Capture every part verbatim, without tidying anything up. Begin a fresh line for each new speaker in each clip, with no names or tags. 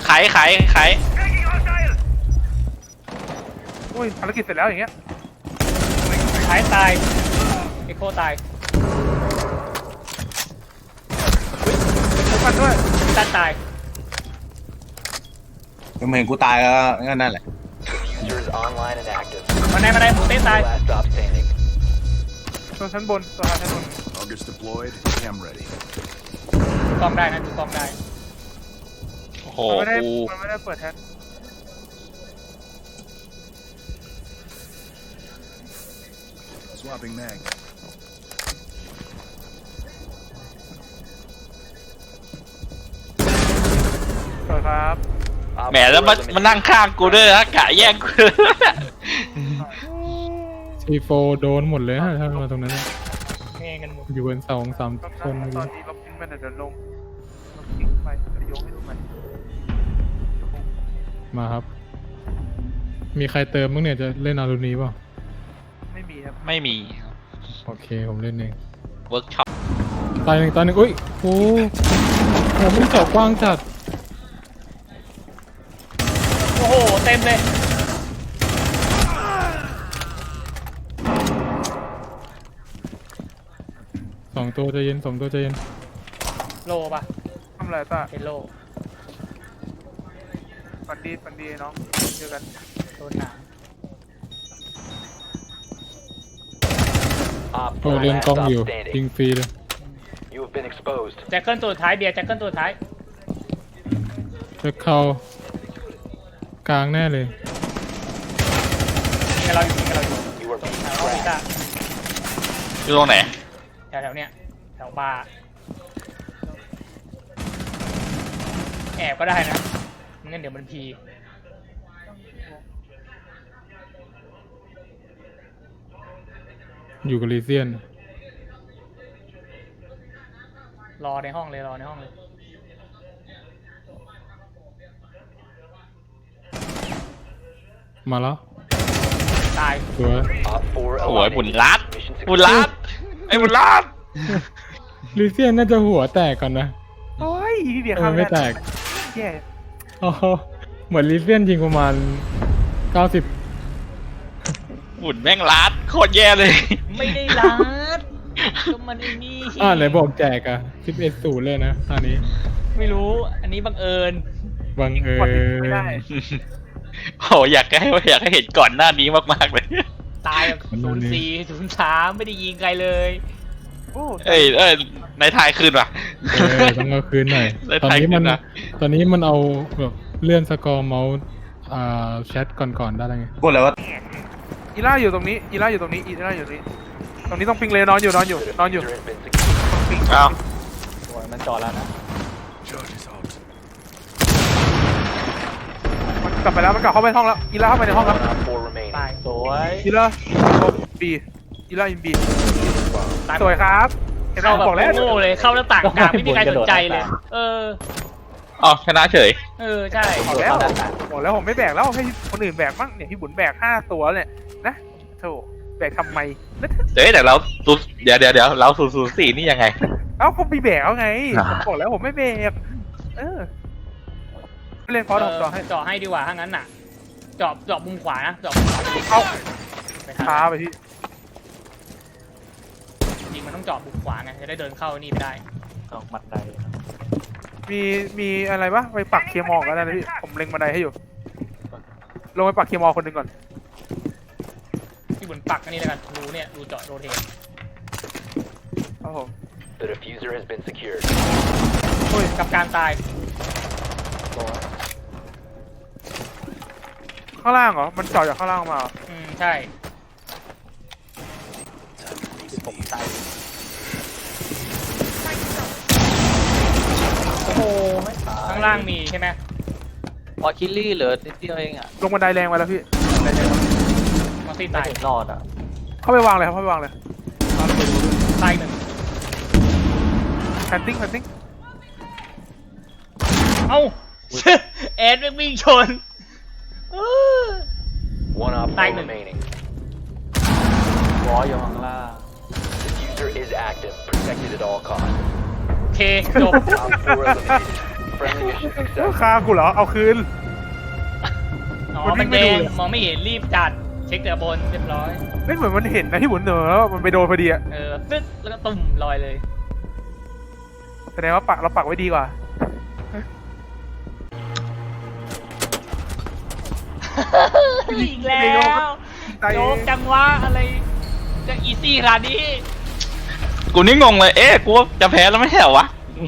ไขไขไข
อุ้ยภารกิจเสร็จแล้วอย่างเงี้ย
ท้ายตายเอ็กโคตาย
ทุกคนด้วย
ตันตาย
ก็เห็นกูตายแล้วก็นั่นแหละ
มาไหนมาไหนหมูเต้ตาย
ตัวชั้นบนตัวชั้นบน
August deployed. Cam ready.
ดูกล้องได้นะดูกล้องได้
โอ้โห
มันไม่ได้
กู
มันไม่ได้เปิดแท็บ
Swapping mag.
สวยครับ
แหมแล้วมามานั่งข้างกูด้วยนะกะแย่งกู
ซีโฟโดนหมดเลยฮะถ้ามาตรงนั้น
เงยกันหมด
อยู่บนสองสามคน
ตอนนี้ลบทิ้งไปเดี๋ยวลงลบทิ้งไปจะโยงให้ดูใหม่
มาครับ มีใครเติมบ้างเนี่ยจะเล่นอารูนีเปล่า
ไม่มีครับ
ไม่มี
โอเคผมเล่นเอง
เวิร์กช็อป
ตายหนึ่งตายหนึ่งอุ้ยโอ้โหมันเจาะกว้างจัด
โอ้โหเต็มเลย
สองตัวใจเย็นสองตัวใจเย็น
โลป่ะ
ทำอะไรตา
เป็นโล
ฝันดีฝันดีน้องเจอกัน
โดนหนาม
โอ้เล่นกล้องอยู่ยิงฟรีเลย
แจ็คเกิลตัวท้ายเบียร์แจ็คเกิลตัวท้าย
จะเข้ากลางแน่เลย
นี่กับเราอยู่นี่กับเราอยู่ตรงแถวออฟฟิศอะ
อยู่ตรงไหน
แถวแถวเนี้ยแถวบาร์แอบก็ได้นะงั้นเดี๋ยวมันพี
อยู่กับลีเซียน
รอในห้องเลยรอในห้องเลย
มาแล้ว
ตาย
สวย
โอ้ยบุญรัดบุญรัดไอ้บุญรัด
ลีเซียนน่าจะหัวแตกก่อนนะ
โอ้ยพี่เบียร์
เอ
ข้า
อ
ม
ไม่แตก
แย่
อ๋อเหมือนลีเซียนยิงประมาณเก้าสิบ
บุญแม่งรัดโคตรแย่เลย
ไม่ได้รัดก็มันไอ้นี่
อ่าไหนบอกแจกอะสิบเอ็ดศูนย์เลยนะตอนนี้
ไม่รู้อันนี้บังเอิญ
บังเอิ
กดไม่ได้
ญ
โอ้อยากให้อยากให้เห็นก่อนหน้านี้มากๆเลย
ตายแบบศูนย์สี่ศูนย์สามไม่ได้ยิงใครเลย
โอ้
เอ้ยเอ้ยในทายคืนว่ะ
เออต้องเอาคืนหน่อย
ได้
ตอนนี้มัน
ไทยขึ้นนะ
ตอนนี้มันเอาแบบเลื่อนสกอร์เมาส์อ่าแชทก่อนๆได้แล้วไง
พูดเลยว่า
อีล่าอยู่ตรงนี้อีล่าอยู่ตรงนี้อีล่าอยู่ตรงนี้ตรงนี้ต้องปิงเลยนอนอยู่นอนอยู่นอนอยู่ต้องปิง
เอ้า
โอ้ยมันจอดแล้วนะ
Charges out.
มันกลับไปแล้วมันกลับเข้าไปห้องแล้วอีล่าเข้าไปในห้องแล้ว
ตายสวย
อีล่าบีอีล่าอินบี
ตาย
สวยครับเห็นเรา
เข้าแบบ
บอกแล้ว
โง่เลยเข้าหน้าต่างกลางไม่มีใครสนใจเลย เออ
อ๋อชนะเฉย
เออใช่
บอกแล้วบอกแล้วผมไม่แบกแล้วให้คนอื่นแบกมั่งเนี่ยพี่บุญแบกห้าตัวเนี่ยนะโธ่แบกทำไมแล้ว
เดี๋ยวแต่เราศูนย์เดี๋ยวเดี๋ยวเดี๋ยวเราศูนย์ศูนย์สี่นี่ยังไง
เอ้าก็มีแบกเอาไง
อ่า
บอกแล้วผมไม่แบกเออเล่นฟอส
เอ
ผมต่อให้
อเจาะให้ดีกว่าถ้างั้นน่ะ เจาะเจาะมุมขวานะเจาะมุมขวา
เอา
ไปทาง
ช้าไปพี่
จริงมันต้องเจาะมุมขวาไงจะได้เดินเข้านี่ไม่ได้เจาะบันได
มีมีอะไรปะไปปักเคลียร์มอกันนะพี่ผมเล็งบันไดให้อยู่ลงไปปักเคลียร์มอคนหนึ่งก่อน
ที่บนปักอันนี้แล้วกันรูเนี่ยรูเจาะโรเทต
ครับผม
The diffuser has been secured.
โอ้ยกับการตาย
ข้างล่างเหรอมันเจาะจากข้างล่างมาเหรอ
อืมใช่ผมตายโอ้โหข้างล่างมีใช่ไหม
พอคิลลี่เหลือนิดเดียวเองอ่ะ
ลงบันไดแรงไปแล้วพี่บันไดแรง
มอสซี่
ไม่
ตาย
ถึงรอดอ่ะ
เข้าไปวางเลยครับเข้าไปวางเลย
ตายหนึ่ง
แพนติ้งแพนติ้ง
เอ้า แอดแม่งวิ่งชน
One op four
Bang.
remaining.
วออยู่ข้างล่าง
Diffuser is active. Protected at all costs.
โอเคจบ
Op four eliminated. Friendly mission
เอ้า
success.
ฆ่ากูเหรอเอาคืน
อ๋อ
คนวิ่
มัน
งไม่
แด
ดู
ง
เลย
มองไม่เห็นรีบจัดเช็คเตือบนเรียบร้อย
ไม่เหมือนมันเห็นนะที่หมุนเหนอมันไปโดนพอดีอะ
เออตึ๊ดแล้วก็ตุ่มลอยเลย
แสดงว่าปักเราปักไว้ดีกว่า
อีกแล้ว
ตาย
โยกจังวะอะไรจะอีซี่ขนาดนี้
กูนี่งงเลย เอ๊ะ กูว่าจะแพ้แล้วไม่ใช่เหรอวะ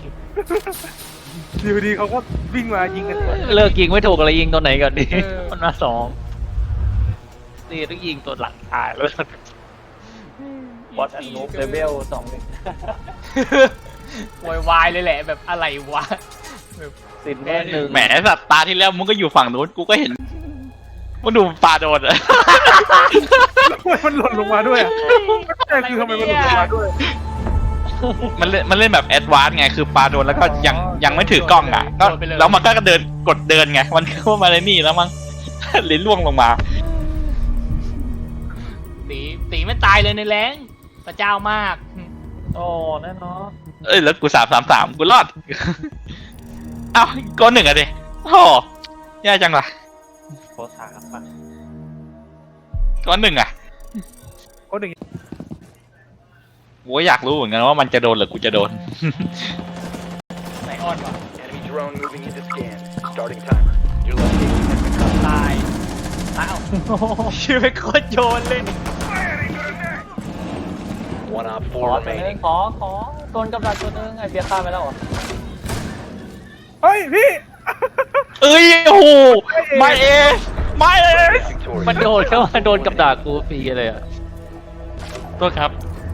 ดีพอดีเขาก็วิ่งมายิงกัน
เลิกยิงไม่ถูกอะไรยิงตัวไหนก่อนดี
เออ
มันมาสองนี่ต้องยิงตัวหลังตายแล้วบอสอันนูเลเวลสองหนึ่ง
โวยวายเลยแหละแบบอะไรวะแบบ
สิบแน่หนึ่ง
แหมสัตว์ตาที่แล้วมึงก็อยู่ฝั่งนู้น กูก็เห็นมึงดูปลาโดนอะ
ทำไมมันหล่นลงมาด้วยอะแต่คือทำไมมันหล่นลงมาด้วย
มันเล่นมันเล่นแบบแอดวานซ์ไง คือปลาโดนแล้วก็ยังยังไม่ถือกล้องอ่ะ ก็แล้วมันก็เดินกดเดินไง มันเข้ามาในนี่แล้วมั้ง ลิ้นล่วงลงมา
ตีตีไม่ตายเลยในแรงพระเจ้ามาก
โอ้แน่นอน
เอ้ยแล้วกูสามสามสามกูรอด เอ้าก้อนหนึ่งอะดิโอ้โหแย่จังล่ะ
โคตรสามปะ
ก้อนหนึ่งอะ
ก็หนึ่ง
กูก็อยากรู้เหมือนกันว่ามันจะโดนหรือกูจะโดน
ไหนอ่อนวะ
Enemy drone moving into scan. Starting timer. Your location has been covered.
ตายตายเอ้าชื่อไปโคตรโยนเลย
One op
ขอ
four
ตัวนึง
remaining.
ขอขอโดนกับดักตัวนึงไอเบียร์ฆ่าไปแล้วเหรอ
เฮ้ยพี่
เอ้ยโอ้โหไม่เอสไม่เอส
Victorious.
มันโดนแค่ว่าโดนกับดักกูฟรีเลยอ่ะ
ตัวครับ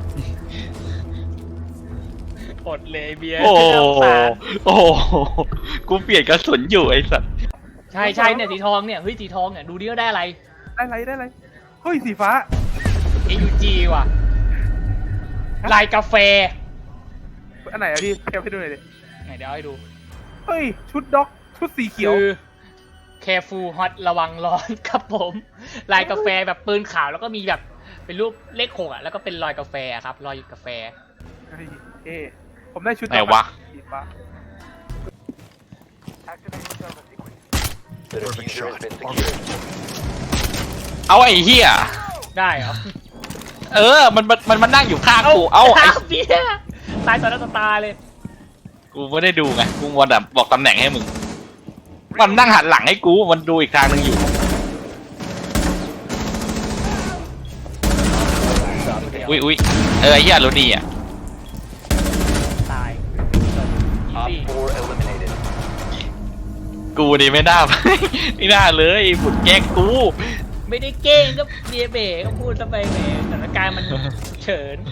อดเลยเบียร์
โอ้โห
น่าสงสาร
โอ้โหกูเปลี่ยนกระสุนอยู่ไอ้สัตว์
ใช่ใช่เนี่ยสีทองเนี่ยเฮ้ยสีทองเนี่ยดูดิว่าได้อะไร
ได้ไรได้ไรเฮ้ยสีฟ้า
เอ ยู จี ว่ะลายกาแฟ
อันไหนอะพี่แคปให้ดูหน่อยดิ
ไหนเดี๋ยวเอาให้ดู
เฮ้ยชุดด็อกชุดสีเขียว
คือ careful hot ระวังร้อนครับผม ลายกาแฟแบบปืนขาวแล้วก็มีแบบเป็นรูปเลขหกอ่ะแล้วก็เป็นรอยกาแฟครับรอยกาแฟ
เฮ้ยเอ๊ะผมได้ชุด
ไหนวะ
สีฟ้า
The diffuser has been secured.
เอาไอ้เหี้ย
ได้เหรอ
เออ มันมันมันมันนั่งอยู่ข้างกู เอาไอ้
เบียร์ตายต่อหน้าต่อตาเลย
กูไม่ได้ดูไง กูมัวแต่บอกตำแหน่งให้มึง มันนั่งหันหลังให้กู มันดูอีกทางหนึงอยู่ อุ้ยอุ้ยเออไอ้เหี้ยรู้ดีอ่ะ
ตาย
Op
easy
four eliminated.
กูนี่ไม่น่า ไม่น่าเลยไอ้บุญแกล้งกู
ไม่ได้เก้งก็เบียร์เบ๋ก็พูดซะไปแหมสถานการณ์มันเฉิน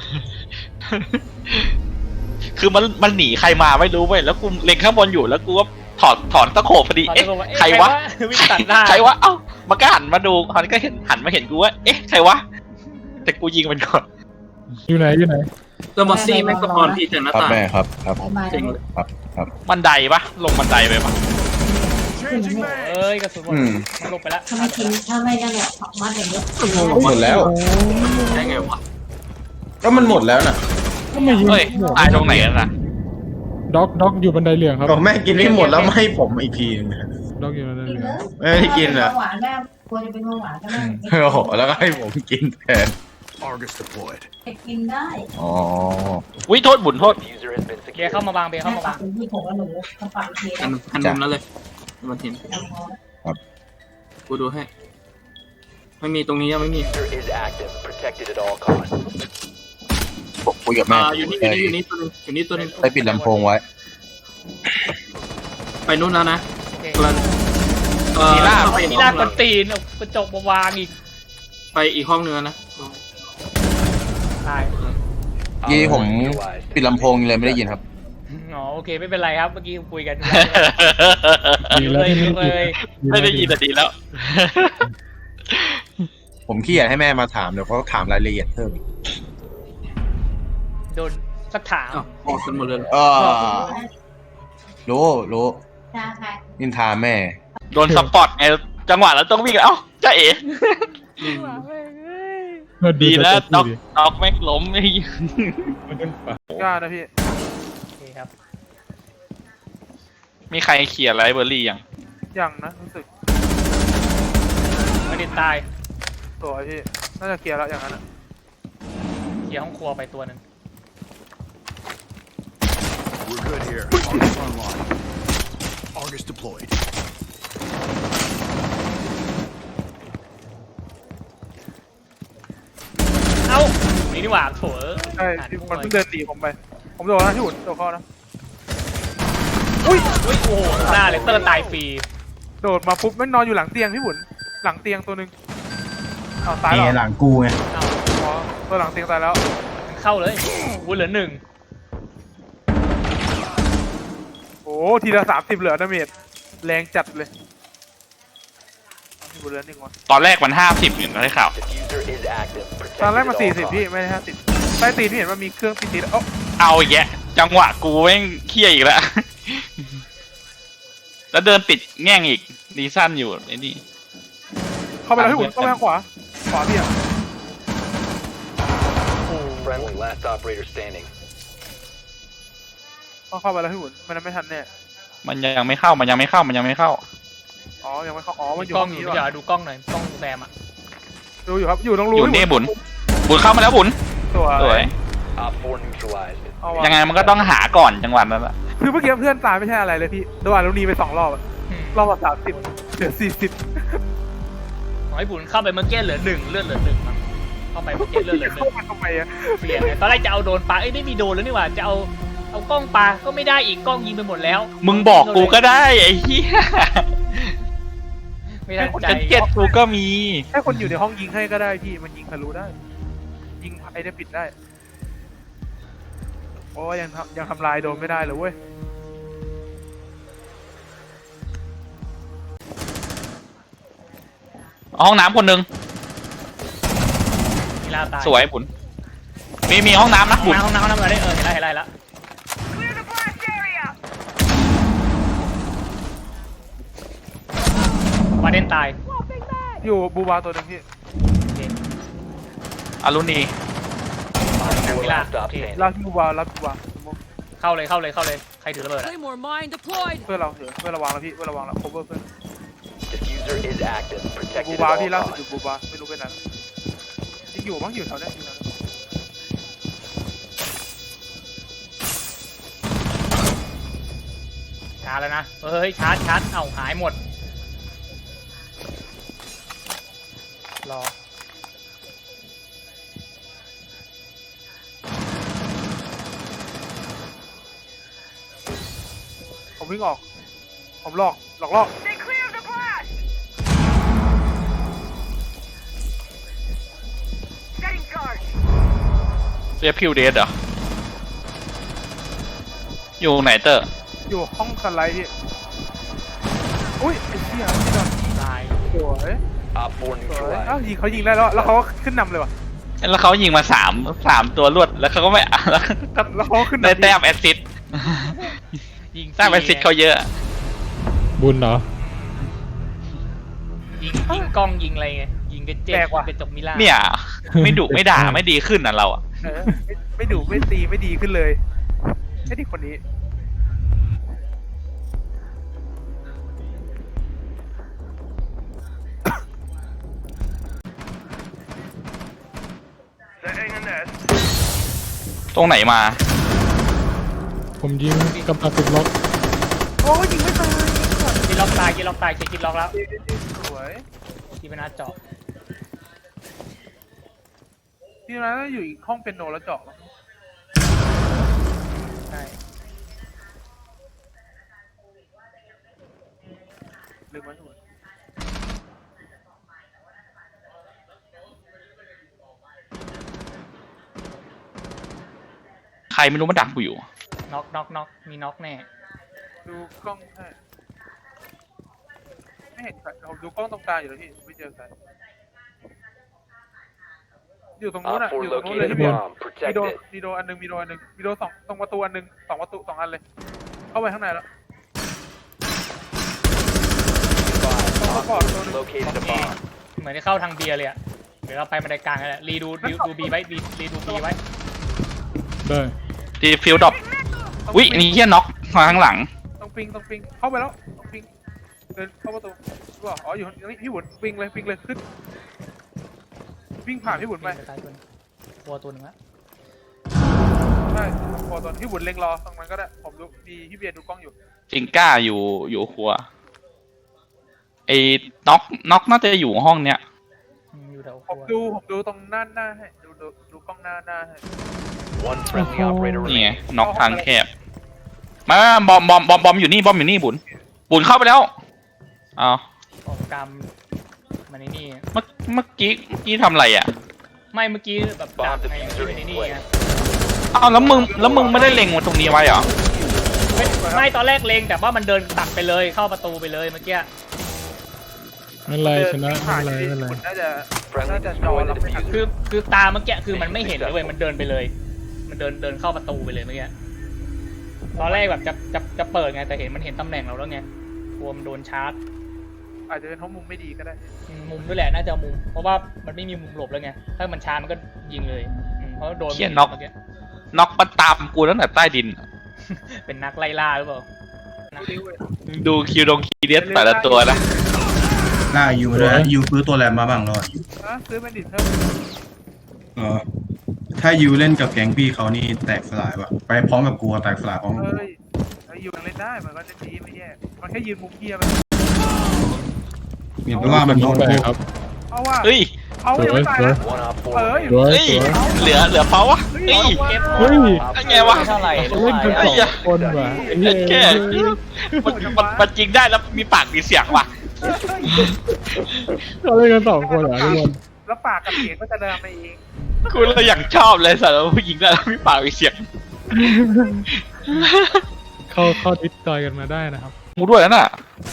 คือมันมันหนีใครมาไม่รู้เว้ย แล้วกูเล็งข้างบนอยู่แล้วกูก็ถอดถอนตะโขบพอดี
ขอ
เอ๊ะ
โทษว่าเอ๊ะ
ใครวะ
วิ่งตัดหน้า
ใครวะ เอ้า มันก็หันมาดูมันก็เห็นหันมาเห็นกูว่า เอ๊ะ ใครวะ แต่กูยิงมันก่อน
อยู่ไหนอยู่ไหน
แล้วมอสซี่แม็กซ์สปอนพี่จากหน้า
ครับ
ต่าง
แม่ครับครับ
จริงเลย
ครับครับ
บันไดปะลงบันไดไปปะ
Changing
เอ้
mag.
ยกระสุนหมด
อืม
มันหลบไปแล้ว
ทำไมทิ้งถ้าไม่นั่นแหละมัดอย่างนี้
หมดแล้ว
ได้ไงวะ
ก็มันหมดแล้วน่ะ
ก็ไม่ยิง
เฮ้ยตายตรงไหนกันนะ
ด็อกด็อกอยู่บันไดเหลืองครับ
ก็แม่กินไม่หมดแล้วไม่ให้ผมอีกทีนึง
ด็อกอยู่บันได
กิน
เหลื
เล
อง
ย
ไม่ได้กินเหรอ
หวานแม่ควรจะเป็นเบาหวานก็ได้
โอ้โหแล้วก็ให้ผมกินแทน
Argus deployed.
กินได้
อ๋อ
วิโทษบุญโทษ
Diffuser has been
เบียร์
secured.
เข้ามาบางเบียร์เข้ามาบาง
เป็นที่ผมกับหนูทำปากเทีย
หันหันมุมนั้นเลยมาทีมกูดูให้ ไม่มีตรงนี้ยังไม่มี
Diffuser is active. Protected at all costs.
ผมคุยกับแม่
อ่าอยู่นี่อยู่นี่อยู่นี่ตัวนึงอยู่นี่ตัวนึง
ได้ปิดลำโพงไว้
ไปนู่นแล้วนะ
โอเค
กำลังเอ่อ
มีลาบ
เข้าไปอี
นี่
กห้
ลา
อก ง
ก
นึ
ระ
ง
ตีนเอากระจกมาวางอีก
ไปอีกห้องนึงแล้วนะ
ตาย
ยี่ผม
Neutralized.
ปิดลำโพงเลยไม่ได้ยินครับ
อ๋อโอเคไม่เป็นไรครับเมื่อกี้คุยกัน
ดีแล้วที่ไม่ได้
เลย
ยิน
ไม่ได้ยินแต่ดีแล้ว
ผมขี้เกียจให้แม่มาถามเดี๋ยวเขาถามรายละเอียดเพิ่ม
โดนสักถาม
อ้าวออกกันหมดเลยเหรอ
เออรู้รู้
จ้าค่ะ
นินทาแม่
โดนสปอตไง จังหวะแล้วต้องวิ่งเอ้าจ้าเอ๋
อืม
ก็
ดีแล้ว
แต่
น็อก
ดี
น็อกแม่งล้มไอ้เหี้ย
มันเป็นป่ะ
กล้านะพี่
โอเคครับ
มีใครเคลียร์ไลฟ์เบอร์รี่ยัง
ยังนะรู้สึก
ไม่ได้ตาย
ตัวพี่น่าจะเคลียร์แล้วอย่างนั้นอะ
เคลียร์ห้องครัวไปตัวหนึ่ง
We're good here. Argus online. Argus deployed.
เอ้านี่นี่หว่าโถเอ้ย
ใช่
หา
ที่
ด้วย
มันเพิ่งเดินหนีผมไป ผมโดนนะที่หุ่นโดนข้อนะ
อุ้ยอุ้ยโอ้โหหน้าเลเตอร์ตายฟรี
โดดมาปุ๊บแม่งนอนอยู่หลังเตียงพี่หุ่นหลังเตียงตัวหนึ่งอ้าวตาย
นี่
แล้ว
หลังกูไง
เอ้า
อ๋อตัวหลังเตียงตายแล้ว
มันเข้าเลยวุ้นเหลือหนึ่ง
โอ้ทีละสามสิบเหลือดาเมจแรงจัดเลยพี่บุญเหลือหนึ่งวะ
ตอนแรกมันห้าสิบอยู่นะได้ข่าว
Diffuser is active.
ตอนแรก
Protected
มา
at
สี่
all
สิบพี่
costs.
ไม่ใช่ห้าสิบใต้ตีนพี่เห็นว่ามีเครื่องตีตีแล้ว
เอาอีกแยะจังหวะกูแม่งเคี้ยอีกแล้ว แล้วเดินติดแง่งอีกดีสั้นอยู่ไอ้นี่
เข้าไปแล้วพี่บุญเข้าไปทางขวาขวาพี่อ่ะ
Friendly, last operator standing.
ต้องเข้าไปแล้วพี่บุญมันไม่ทันแน่
มันยังไม่เข้ามันยังไม่เข้ามันยังไม่เข้า
อ๋อยังไม่เข้าอ๋อมันอยู่
กล้
ห้
อ
อง ง
อยู่
นี้
เดี๋ยว
ว่ะ
ดูกล้องหน่อยกล้องแซมอ่ะ
ดูอยู่ครับอยู่ตรงรู
อยู่นี่บุญบุญเข้ามาแล้วบุญ
ตัว
สวย
Op four neutralized.
เอาวะ
ยังไงมันก็ต้องหาก่อนจังหวะนั้นแหละ
คือเมื่อกี้เพื่อนตายไม่ใช่อะไรเลยพี่โดนอลูนีไปสองรอบอะ
อืม
รอบละสามสิบเหลือสี่สิบ
ขอให้บุญเข้าไปเมื่อกี้เหลือหนึ่งเลือดเหลือหนึ่งมั้งเข้าไปเมื่อกี้เลือดเหลือหนึ่
เข้าง มาทำไมอะ
เปลี่ยนเลยตอนแรกจะเอาโดนปลาเอ้ยไม่มีโดนแล้วนี่หว่าจะเอาเอากล้องปลาก็ไม่ได้อีกกล้องยิงไปหมดแล้ว
มึงบอกกูก็ได้ไอ้เหี้ย
ไม่ทันใจ
แจ็คเก็ตกูก็มี
แค่คนอยู่ในห้องยิงให้ก็ได้พี่มันยิงทะลุได้ ยิงไอ้ได้ปิดได้โอ้ยังทำยังทำลายโดนไม่ได้เลยเว้ย
ห้องน้ำคนหนึ่ง
มีลาตาย
สวยบุญมีมีห้องน้ำนะ
ห้อง
บุญ
น้ำห้องน้ำห้องน้ำอะไรเออเห็นไรเห็นไรแล้ววาเดนตาย
อยู่บูบาตัวหนึงพี่
โอเค
อารุณี
Op four
Mila,
last stop
okay.
standing.
รับบูบารับบูบา
เข้าเลยเข้าเลยเข้าเลยใครถือระเบิดอะ
Claymore mine deployed.
เพื่อนเราเถอะเพื่อนระวังแล้วพี่เพื่อนระวังแล้ว cover เพื่อน
Diffuser is active.
บู
Protected at
บา
all
พี่ล่าสุดอยู่
costs.
บูบาไม่รู้ไปไหนยังอยู่มั้งอยู่แถวเนี้ยอยู่แถวเนี้ย
ชาร์จแล้วนะเฮ้ยชาร์จชาร์จเอ้าหายหมดรอ
ผมวิ่งออกผมหลอกหลอกล่อ
เรียกพิวเดสเหรออยู่ไหนเตอร์
อยู่ห้องสไลด์พี่อุ้ยไอ้เหี้ยพี่ดอน
ตาย
สวย
Op four
สวยอ้าว
neutralized.
ยิงเขายิงได้แล้วแล้วเขาก็ขึ้นนำเลยว่ะ
แล้วเขายิงมาสามสามตัวรวดแล้วเขาก็ไม่ แล้วก็
แล้วเขาก็ขึ้น
ได้
นำ
แต้มแอสซิสต์
ยิง
แต้มแอสซิสต์เขาเยอะ
บุญเหรอ
ยิงยิงกล้องยิงอะไรไงยิงกระเจ็บกระจกมิล่า
เนี่ย ไม่ดุไม่ด่าไม่ดีขึ้นอ่ะเราอ่ะ
เออไม่ไม่ดุไม่ตีไม่ดีขึ้นเลยไอ้ที่คนนี้
ตรงไหนมา
ผมยิงกำลังติดล็อก
โอ้ยยิงไม่ตาย
กินล็อกตายกินล็อกตายเช็คกินล็อกแล้ว
สวย
ที่เป็นหน้าเจาะ
พี่นั้นอยู่อีกห้องเป็นโนแล้วเจาะ
ใช่
ลืมไว้ทุกคน
ใครไม่รู้มาดักกูอยู่
น็อกน็อกน็อกมีน็อกแน่
ดูกล้องให้ไม่เห็นใครผมดูกล้องตรงกลางอยู่แล้วพี่ไม่เจอใครอยู่ตรงนู้น
Op
อ่ะ
four
อยู่ตรงนู้นเลย
located
พี่
a
บอล
bomb.
มีโด
Protect it.
มีโดอันหนึ่งมีโดอันหนึ่งมีโดสองตรงประตูอันหนึ่งสองประตูสองอันเลย เข้าไปข้างในแล้ว
Op four located a bomb.
เหมือนจะเข้าทางเบียร์เลยอะเดี๋ยวเราไปบันไดกลางกันแหละรีดูดูดูบีไว้บีรีดูบีไว้
ได้
ที่ฟิลดรอปอุ้ยอันนี้เฮียน็อกมาข้างหลัง
ต้องปิงตรงปิงเข้าไปแล้วตรงปิงเดินเข้าประตูรู้ป่ะอ๋ออยู่ตรงนี้พี่บุญปิงเลยปิงเลยขึ้นวิ่งผ่านพี่บุญไป
ตายตัวนึงวัวตัวหนึ่งละ
ใช่พอตอนพี่บุญเล็งรอตรงนั้นก็ได้ผมดูมีพี่เบียร์ดูกล้องอยู่
จิงก้าอยู่อยู่ครัวไอ้น็อกน็อกน่าจะอยู่ห้องเนี้ย
อืมอยู่แถวค
ผม
รัว
ดูผมดูตรงหน้าหน้าให้ดูดูดูกล้องหน้าหน้าให้
One friendly operator
นี่ไง
remaining.
น็อกทางแคบมาบอมบอมบอมบอมอยู่นี่บอมอยู่นี่บุญบุญเข้าไปแล้วอ้าว
ออกกรรมมันในนี่
เมื่อเมื่อกี้เมื่อกี้ทำอะไรอ่ะ
ไม่เมื่อกี้แบบดักไงอยู่ในนี่ไง
อ้าวแล้วมึงแล้วมึงไม่ได้เล็งมาตรงนี้ไว้เหรอ
ไม่ไม่ตอนแรกเลงแต่ว่ามันเดินตัดไปเลยเข้าประตูไปเลยเมื่อกี้
ไม่เป็นไรชนะ
ผ่า
ไม่
น
เป็นไร
พี่
ไม่เป็นไร
บุญน่าจะ
Friendly
น่าจะจอ
destroy
รับ
the
ไม่ทัน
diffuser.
คือคือตาเมื่อกี้คือมันไม่เห็นเลยเว้ยมันเดินไปเลย มันเดินเดินเข้าประตูไปเลยเมื่อกี้ตอนแรกแบบจะจะจะเปิดไงแต่เห็นมันเห็นตำแหน่งเราแล้วไงกลัวมันโดนชาร์จ
อาจจะเป็นเพราะมุมไม่ดีก็ได้
อืมมุมด้วยแหละน่าจะมุมเพราะว่ามันไม่มีมุมหลบแล้วไงถ้ามันชาร์จมันก็ยิงเลยอืมเพราะโดน
เขียนน็อก
เมื่อกี้
น็อกมันตามกูตั้งแต่ใต้ดิน
เป็นนักไล่ล่าหรือเปล่านัก
ดูคิวดงคีเดียสแต่ละตัวนะ
หน้ายูด้วยยูซื้อตัวแรมมาบ้างแล้ว
อ่ะซื้อแบนดิตเพิ่ม
เออถ้ายูเล่นกับแก๊งพี่เขานี่แตกสลายว่ะไปพร้อมกับกูแตกสลายพร้อมกับกู
เฮ้ยไอ้อยู่ยังเล่นได้มันก็เล่นดีไม่แย่มันแค่ยืนมุมเกียร์ไป
เพราะว่ามันโดน
ไป
พวก
ครับ
เอาว่า
เฮ้ย
เอายังไม่ตายนะ
One op four
เอ้ย
remaining.
สวย
เฮ้ย
สวย
เหลือเหลือเปล่าวะเฮ้ย
เก็บ
เฮ้ย
ไอ้ไงวะ
เท่าไหร่
เขาเล่นกันส
ไอ้
อง
เหี้ย
คนว่ะไอ้เหี้ย
แค่มันมันมันจริงได้แล้วมีปากมีเสียงว่ะ
เขาเล่นกันสองคนเหรอทุกคน
แล้วปากกับเสียงก็จะเดินไปเอง
กูเลยอย่างชอบเลยสัตว์ผู้หญิงได้แล้วมีปากมีเสียง
เข้าเข้าดิสจอยกันมาได้นะครับ
มูด้วยน่ะ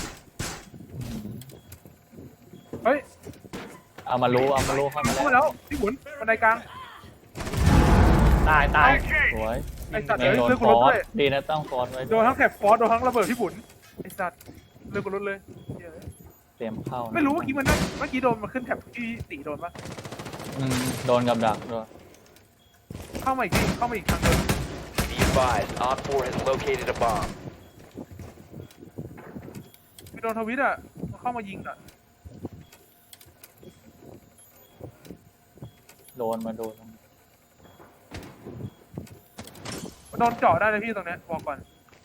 เฮ้ย
เอามารู้เอามารู้เข้ามา
เข้า
แล้ว
มาแล้วพี่บุญบันไดกลาง
ตายตาย
สวย
ไอ้สัตว์
ไม่
เอ้ย
โดน
เลือก
ฟ
กู
อ
รถ
ส
ด้วย
ดีนะต้องฟอสไว้
โดนทั้งแถบฟอสโดนทั้งระเบิดพี่บุญไอ้สัตว์เลือกกูรถเลยเหี้ย
เตรียมเข้านะ
ไม่รู้เมื่อกี้มันได้เมื่อกี้โดนมาขึ้นแถบที่ตีโดนปะ
อืมโดนกับดักด้วย
เข้ามาอีกทีเข้ามาอีกทางเดิน
Be advised, Op four has located a bomb.
ไปโดนทวิตอ่ะมันเข้ามายิงอ่ะ
โดนมาโดน
มันโดนเจาะได้เลยพี่ตรงเนี้ยบอกก่อน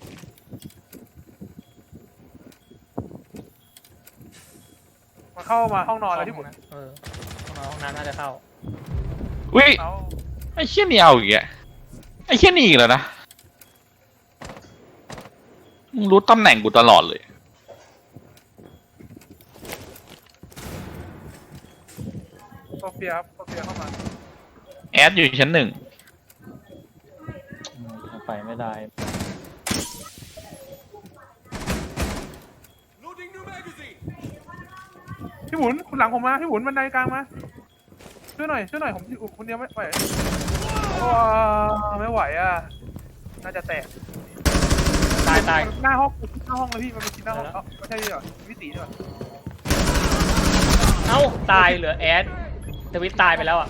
มันเข้ามาห้องนอนแล้วพี่บุญ
เออห้องนอนห้องน้ำน่าจะเข้า
อุ้ย
เอา
ไอ้เชี่ยนี่เอาอีกอ่ะไอ้เชี่ยนี่อีกแล้วนะมึงรู้ตำแหน่งกูตลอดเลย
โซเฟียครับโซเฟียเข้ามา
แอดอยู่ชั้นหนึ่ง
อืมไปไม่ได้
พี่บุญคุณหลังผมมาพี่บุญบันไดกลางมาช่วยหน่อยช่วยหน่อยผมอยู่คนเดียวไม่ไหวว้าไม่ไหวอ่ะน่าจะแตก
ตายตาย
หน้าห้องหน้าห้องเลยพี่มันเป็นชิ้นหน้าห้องเอ้าไม่ใช่ดิเหรอวิตีด้วย
เอ้าตายเหลือแอดทวิตตายไปแล้วอ่ะ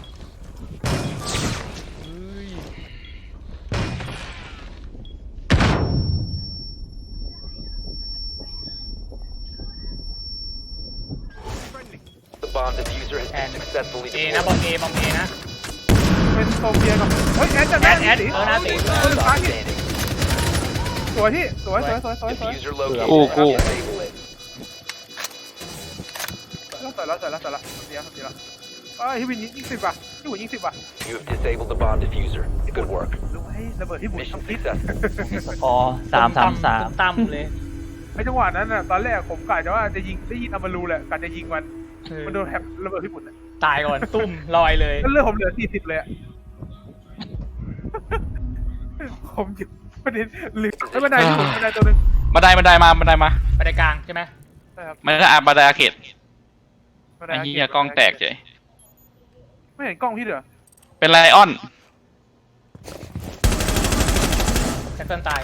The bomb diffuser has
แอน
been successfully
เอนะบอม
deployed.
เอบอมเอนะ
เป็นโซเฟียกับเฮ้ยแอดจะ
แอ
ได้
ดแอด
ตี
เออหน้าตี
เออ
Stop
ฟ้าที่
standing.
สวยที่สวยสวยสวยสวยสวย
Diffuser located.
Cool, cool.
Disable it.
แล้วสวยแล้วสวยแล้วสวยแล้วเสียเสียแล้วเอ้ยพี่วินยิงสิบว่ะพี่บุญยิงสิบว่ะ
You have disabled the bomb diffuser. Good work.
ดูให้ระเบิดพี่บุญ
Mission
ทำพิษ
successful.
พอสามสามสาม
ตั้มเลย
ไอ้จังหวะนั้นน่ะตอนแรกผมกะจะว่าจะยิงได้ยินอามารูแหละกะจะยิงมัน
เออ
มันโดนแถบระเบิดพี่บุญอ่ะ
ตายก่อนตุ้มลอยเลย
แล้วเลือดผมเหลือสี่สิบเลยอ่ะ ผมอยู่ประเด็นเหลือแล้วบันไดพี่บุญบันไดตัวหนึง
บันไดบันไดมาบันไดมา
ไปในกลางใช่ไหม
ใช่ครับ
มันก็อ่ะบันไดอาเขต
บันได
ไอ้เหี้ยกล้องแตกเฉย
ไม่เห็นกล้องพี่เหรอ
เป็นไลออน
แจ็คเกิลตาย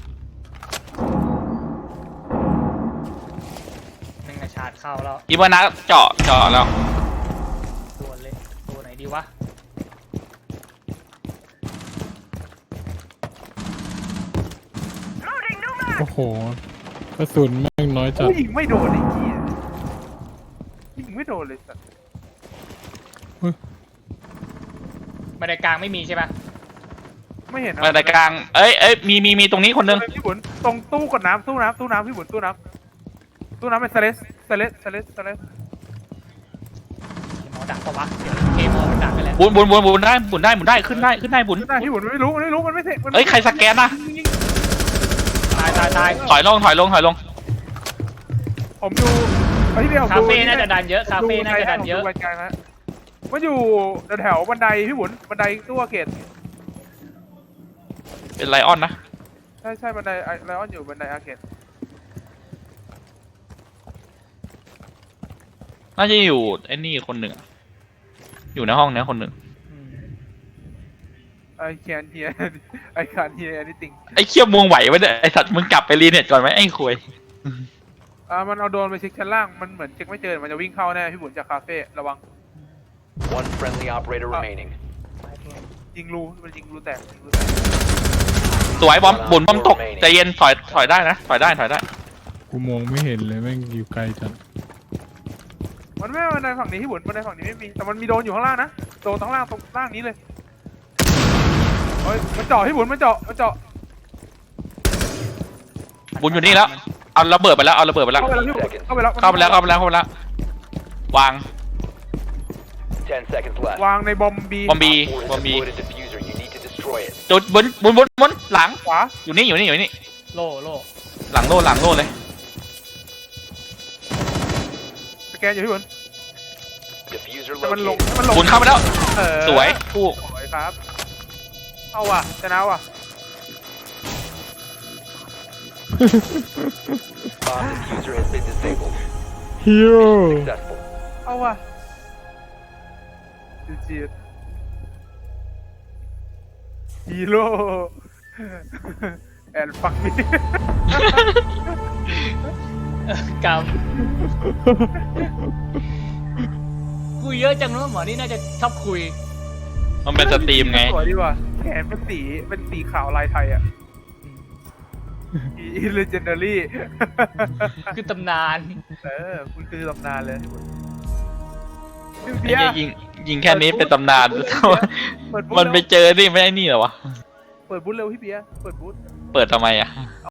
หนึ่งในชาร์จเข้าแล้ว
อีวานะเจาะเจาะแล้ว
ตัวเลยตัวไหนดีวะ
โอ้โหกระสุนแม่งน้อยจัด
โอ้ยยิงไม่โดนไอ้เหี้ยยิงไม่โดนเลยสัตว์
บันไดกลางไม่มีใช่ปะ
ไม่เห็นนะ
มาในกลางเอ้ยเอ้ยมีมีมีตรงนี้คนนึง
พี่บุญตรงตู้กดน้ำตู้น้ำตู้น้ำพี่บุญตู้น้ำตู้น้ำเป็นสเลสสเลสสเลสสเลส
หมอดักปะวะเดี๋ยวเกมหมอมันดักไปแล้ว
บุญบุญบุญบุญได้บุญได้บุญได้ขึ้นได้ขึ้นได้บุญ
ตู้น้ำพี่บุญไม่รู้ไม่รู้มันไม่เสร็จมัน
เอ้ยใครสแกนนะ
ตายตายตาย
ถอยลงถอยลงถอยลง
ผมดูไอ้ที่เดียว
คาเฟ่น่าจะดันเยอะคาเฟ่น่าจะดันเยอะ
ผมดูไกลๆฮะมันอยู่แถวบันไดพี่บุญบันไดตู้อาเกต
เป็นไลออนนะ
ใช่ใช่บันไดไลออนอยู่บันไดอาเกต
น่าจะอยู่ไอ้นี่คนหนึ่งอะอยู่ในห้องเนี้ยคนหนึ่ง
อืม
ไอแคนเฮียไอคานเฮียนี่ติง
ไอ้เคียมวงไหวไว้เนี่ยไอ้สัตว์มึงกลับไปรีเน็ตก่อนไหมไอ้คุย
อ่ามันเอาโดรนไปเช็คชั้นล่างมันเหมือนเช็คไม่เจอมันจะวิ่งเข้าแน่พี่บุญจากคาเฟ่ระวัง
One friendly operator remaining.
ยิงรูมันยิงรูแตกยิงรูแตก
สวยบอมบุญบอมตกใจเย็นถอยถอยได้นะถอยได้ถอยได้
กูมองไม่เห็นเลยแม่งอยู่ไกลจัด
มันไม่บันไดฝั่งนี้พี่บุญบันไดฝั่งนี้ไม่มีแต่มันมีโดรนอยู่ข้างล่างนะโดรนข้างล่างตรงล่างนี้เลยเฮ้ยมันเจาะพี่บุญมันเจาะมันเจาะ
บุญอยู่นี่แล้วเอาระเบิดไปแล้วเอาระเบิดไปแล้ว
เข้าไปแล้วพี่บุญเข้าไปแล้ว
เข้าไปแล้วเข้าไปแล้วเข้าไปแล้ววาง
Ten seconds left.
วางในบอมบี
บอมบี
Op four has
บอมบี
deployed a diffuser. You need to destroy it.
จุดบุญบุญบุญบุญหลัง
ขวา
อยู่นี่อยู่นี่อยู่นี่
โล่โล่
หลังโล่หลังโล่เลย
สแกนอยู่พี่บุญ
Diffuser
แต่มันลง
located.
ให้มันลง
บุญเข้าไปแล้ว
เออ
สวยคู่
สวยครับเอาว่ะชนะว่ะ
Bomb diffuser has been disabled.
ฮีโร่
Successful.
เอาว่ะจีดฮีโร่แอนฟักมี
กำคุยเยอะจังเนอะหมอนี่น่าจะชอบคุย
มันเป็นสตรีมไง
สวยดีว่ะแขนเป็นสีเป็นสีขาวลายไทยอ่ะอีเลเจนดารี่
คือตำนาน
เออคุณคือตำนานเลยพี่
ไอ้
เบีย
เหี้ย
ร์
ยิงยิงแค่นี้เป็นตำนาน
เปิดบูธ
มันไป
เร็ว
เจอนี่ไม่ได้นี่เหรอวะ
เปิดบูธเร็วพี่เบียร์เปิดบูธ
เปิดทำไมอ่ะ